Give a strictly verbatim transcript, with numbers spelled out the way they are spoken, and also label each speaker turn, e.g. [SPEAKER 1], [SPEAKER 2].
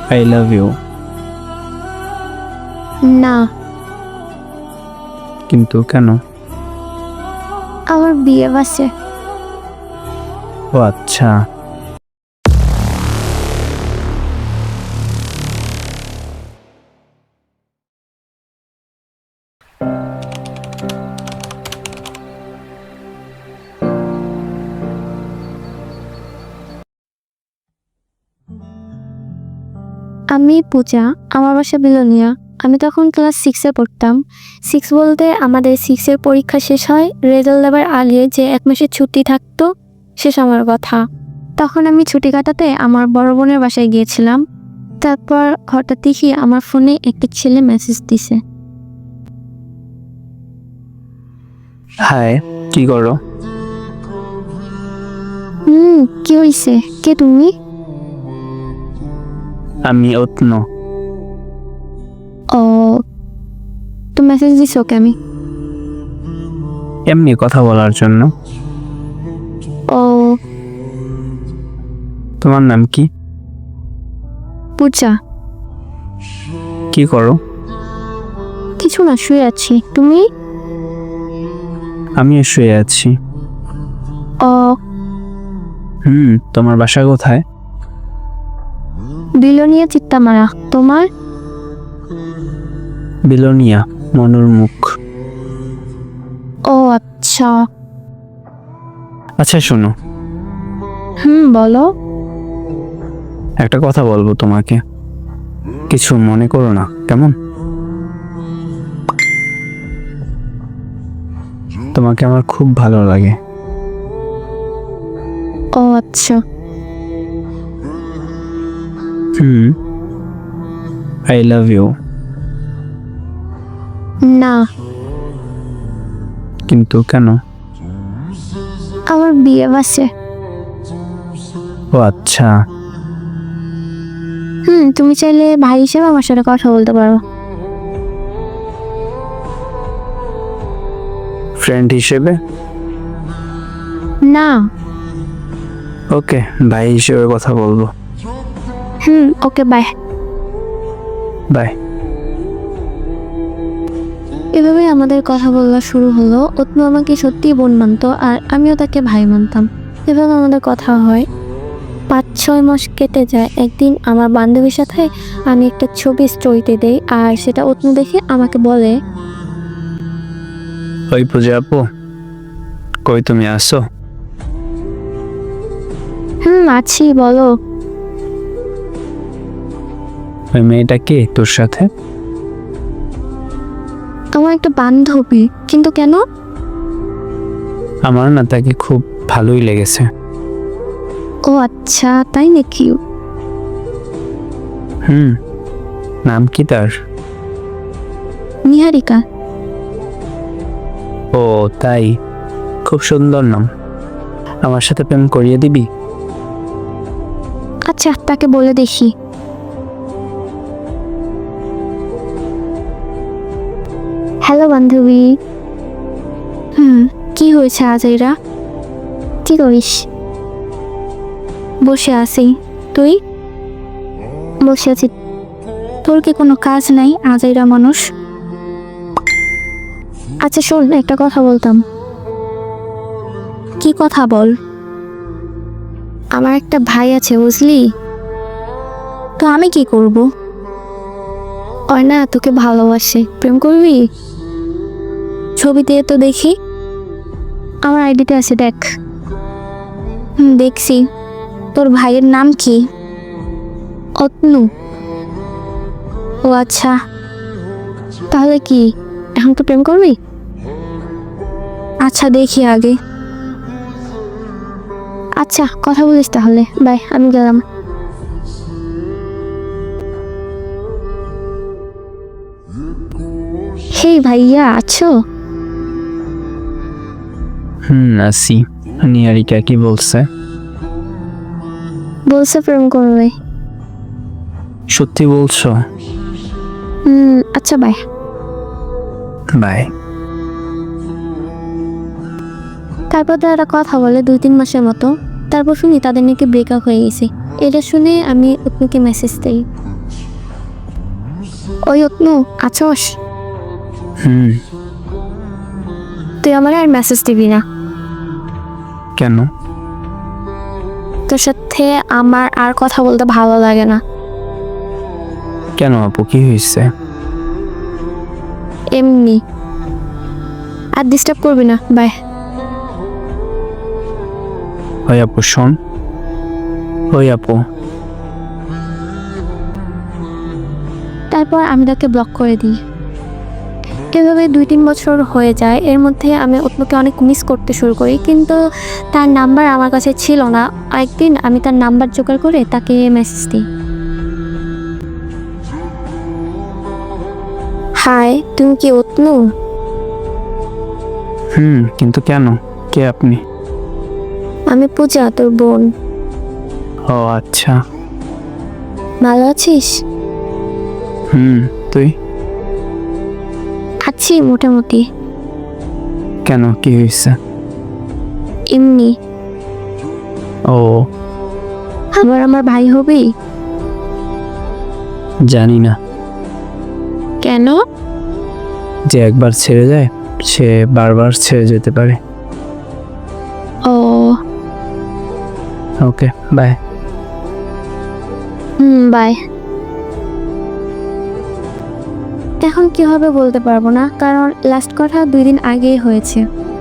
[SPEAKER 1] I love you.
[SPEAKER 2] না।
[SPEAKER 1] কিন্তু কেন?
[SPEAKER 2] আমার বিয়ে বাসে।
[SPEAKER 1] ও আচ্ছা।
[SPEAKER 2] আমি পূজা, আমার বাসা বিলোনিয়া। আমি তখন ক্লাস সিক্সে পড়তাম। সিক্স বলতে আমাদের সিক্সের পরীক্ষা শেষ হয়, রেজাল্ট দেওয়ার আগে যে এক মাসের ছুটি থাকতো সে সময়ের কথা। তখন আমি ছুটি কাটাতে আমার বড় বোনের বাসায় গিয়েছিলাম। তারপর হঠাৎ দেখি আমার ফোনে একটা ছেলে মেসেজ দিছে।
[SPEAKER 1] হাই, কি করো?
[SPEAKER 2] হুম কি হইছে? কে তুমি?
[SPEAKER 1] আমি অত্ন।
[SPEAKER 2] ও, তো মেসেজ দিছো ওকে? আমি
[SPEAKER 1] এমনি কথা বলার জন্য।
[SPEAKER 2] ও,
[SPEAKER 1] তোমার নাম কি?
[SPEAKER 2] পূজা।
[SPEAKER 1] কি করো?
[SPEAKER 2] কিছু না, শুয়ে আছি। তুমি?
[SPEAKER 1] আমি শুয়ে আছি।
[SPEAKER 2] ও,
[SPEAKER 1] হুম তোমার বাসা কোথায়?
[SPEAKER 2] বিলোনিয়া চিত্তামারা। তোমার?
[SPEAKER 1] বিলোনিয়া মনুর মুখ।
[SPEAKER 2] ও আচ্ছা।
[SPEAKER 1] আচ্ছা শোনো,
[SPEAKER 2] হুম বলো।
[SPEAKER 1] একটা কথা বলবো তোমাকে, কিছু মনে করো না কেমন? তোমাকে আমার খুব ভালো লাগে।
[SPEAKER 2] ও আচ্ছা।
[SPEAKER 1] Hmm I love you.
[SPEAKER 2] না।
[SPEAKER 1] কিন্তু কেন?
[SPEAKER 2] আমার বিয়ে বাসে।
[SPEAKER 1] ও আচ্ছা।
[SPEAKER 2] হুম তুমি চাইলে ভাই হিসেবে আমার সাথে কথা বলতে পারো।
[SPEAKER 1] ফ্রেন্ড হিসেবে?
[SPEAKER 2] না।
[SPEAKER 1] ওকে, ভাই হিসেবে কথা বলবো।
[SPEAKER 2] Hmm okay bye.
[SPEAKER 1] বাই।
[SPEAKER 2] এভাবে আমাদের কথা বলা শুরু হলো। অত্নু আমাকে সত্যিই বোন মানতো আর আমিও তাকে ভাই মানতাম। এভাবে আমাদের কথা হয়। পাঁচ ছয় মাস কেটে যায়। একদিন আমার বান্ধবীর সাথে আমি একটা ছবি স্টোরিতে দেই আর সেটা অত্নু দেখে আমাকে বলে,
[SPEAKER 1] ওই পূজা আপু, কই তুমি আসো?
[SPEAKER 2] হুম আছি, বলো।
[SPEAKER 1] ওই মেয়েটা কে তোর সাথে?
[SPEAKER 2] আমার একটা বান্ধবী। কিন্তু কেন?
[SPEAKER 1] আমার না তাকে খুব ভালোই লেগেছে।
[SPEAKER 2] ও আচ্ছা, তাই নাকি?
[SPEAKER 1] হুম নাম কি তার?
[SPEAKER 2] নিহারিকা।
[SPEAKER 1] ও তাই, খুব সুন্দর নাম। আমার সাথে প্রেম করিয়ে দিবি?
[SPEAKER 2] আচ্ছা তাকে বলে দেখি। হ্যালো বান্ধবী। হুম কি হয়েছে আজাইরা? কি করিস? বসে আছি। তুই? বসে আছি। তোর কি কোনো কাজ নাই আজাইরা মানুষ? আচ্ছা শোন, একটা কথা বলতাম। কি কথা বল? আমার একটা ভাই আছে বুঝলি, তো আমি কি করব? ওই না তোকে ভালোবাসে, প্রেম করবি? ছবি দিয়ে তো দেখি। আমার আইডিতে আছে, দেখ। হুম দেখছি। তোর ভাইয়ের নাম কি? অতনু। ও আচ্ছা, তাহলে কি এখন তো প্রেম করবি? আচ্ছা দেখি আগে। আচ্ছা কথা বলিস তাহলে, বাই, আমি গেলাম। হেই ভাইয়া, আছো?
[SPEAKER 1] হুম আসি। নিহারিকা কি বলছে?
[SPEAKER 2] বলছে প্রেম করবে।
[SPEAKER 1] সত্যি বলছো?
[SPEAKER 2] হুম আচ্ছা বাই।
[SPEAKER 1] বাই।
[SPEAKER 2] তারপর তারা কথা বলে দুই তিন মাসের মতো। তারপর শুনি তাদের নাকি ব্রেকআপ হয়ে গেছে। এটা শুনে আমি অতনুকে মেসেজ দিই। ওই অতনু আছোস?
[SPEAKER 1] হুম।
[SPEAKER 2] তুই আমার আর মেসেজ দিবি না।
[SPEAKER 1] কেন?
[SPEAKER 2] তোর সাথে আমার আর কথা বলতে ভালো লাগে না।
[SPEAKER 1] কেন আপু, কি হয়েছে?
[SPEAKER 2] এমনি। আর ডিস্টার্ব করবি না, বাই।
[SPEAKER 1] ওই আপু শোন, ওই আপু।
[SPEAKER 2] তারপর আমি তাকে ব্লক করে দিই। এভাবে দুই তিন বছর হয়ে যায়। এর মধ্যে আমি অতনুকে অনেক মিস করতে শুরু করি, কিন্তু তার নাম্বার আমার কাছে ছিল না। একদিন আমি তার নাম্বার জোগাড় করে তাকে মেসেজ দিই। হাই, তুমি কি অতনু?
[SPEAKER 1] হুম, কিন্তু কেন? কে আপনি?
[SPEAKER 2] আমি পূজা, তোর বোন।
[SPEAKER 1] ও আচ্ছা।
[SPEAKER 2] ভালো আছিস?
[SPEAKER 1] হুম, তুই?
[SPEAKER 2] আছি মোটামুটি।
[SPEAKER 1] কেন, কি হয়েছে?
[SPEAKER 2] এমনি।
[SPEAKER 1] ও
[SPEAKER 2] আবার আমার ভাই হবি?
[SPEAKER 1] জানি না।
[SPEAKER 2] কেন?
[SPEAKER 1] যে একবার ছেড়ে যায় সে বারবার ছেড়ে যেতে পারে।
[SPEAKER 2] ও
[SPEAKER 1] ওকে, বাই।
[SPEAKER 2] Hmm, bye. এখন কি হবে বলতে পারবো না, কারণ লাস্ট কথা দুই দিন আগেই হয়েছে।